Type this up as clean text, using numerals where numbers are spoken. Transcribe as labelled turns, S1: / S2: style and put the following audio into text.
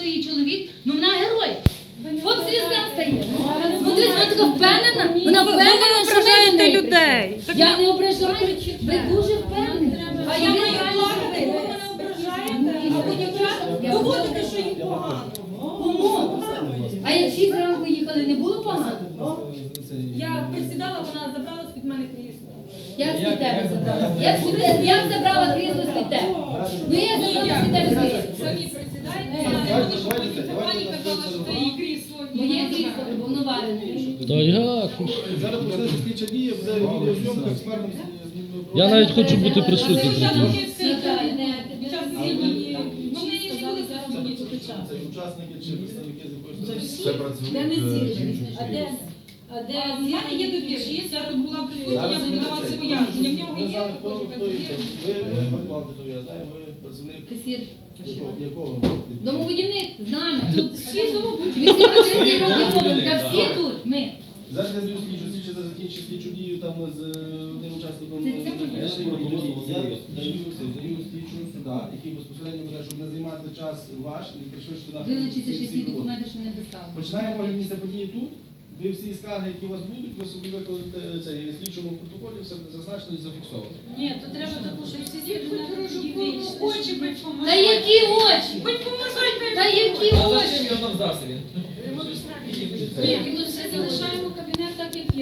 S1: її чоловік, ну вона герой. От звізда стає. Смотри, вона така впевнена, вона впевнена, що
S2: ображаєте людей.
S1: Я не ображаю, ви дуже впевнені.
S2: А я маю плакати, ви мене ображаєте, а ви дівчата доводите, що їм погано.
S1: Кому? А як всі зранку їхали, не було погано?
S2: Я присідала, вона забрала з-під мене крісло.
S1: Як з-під тебе забрала? Як забрала крісло з-під тебе? Ну я забрала з-під тебе крісло.
S2: Самі присідайте, я не буду говорити, пані казала, що це її крісло.
S1: Моє крісло, бо воно варене.
S3: Та як?
S4: Зараз почнеться слідча дія, буде відеозйомка, експертом.
S3: Я навіть хочу бути присутнім.
S2: Я
S3: при цьому.
S2: поки все під час цієї, ну ми не були зараз тут час.
S4: Це учасники чи представники з якоїсь
S5: Це працює.
S2: Де не зіржені? А де в мене є довірчі, зараз була присутня, я буду давати пояснення. В нього є
S4: я знаю, ви працівник
S1: Касір.
S4: якого?
S1: Домоводівник з нами. Тут
S2: всі домоводівники.
S1: 830 років тому, та всі тут, ми.
S4: Зараз я зв'язку слідчу закінчити слідчу дію там з одним учасником. Я даю слідчу сюди, який безпосередньо буде, щоб не займати час ваш і пришвидшити нашу
S1: Вилучиться ще всі документи, що не достали.
S4: Починаємо місце події тут. Ви всі скарги, які у вас будуть, ви собі викладете цей слідчому протоколі, все буде зазначено і зафіксовано.
S2: Ні, то треба таку, щоб всі звідки очі бить
S1: Та які очі?
S2: Бить поможайте!
S1: Та які очі?
S2: Ні, ми все залишаємо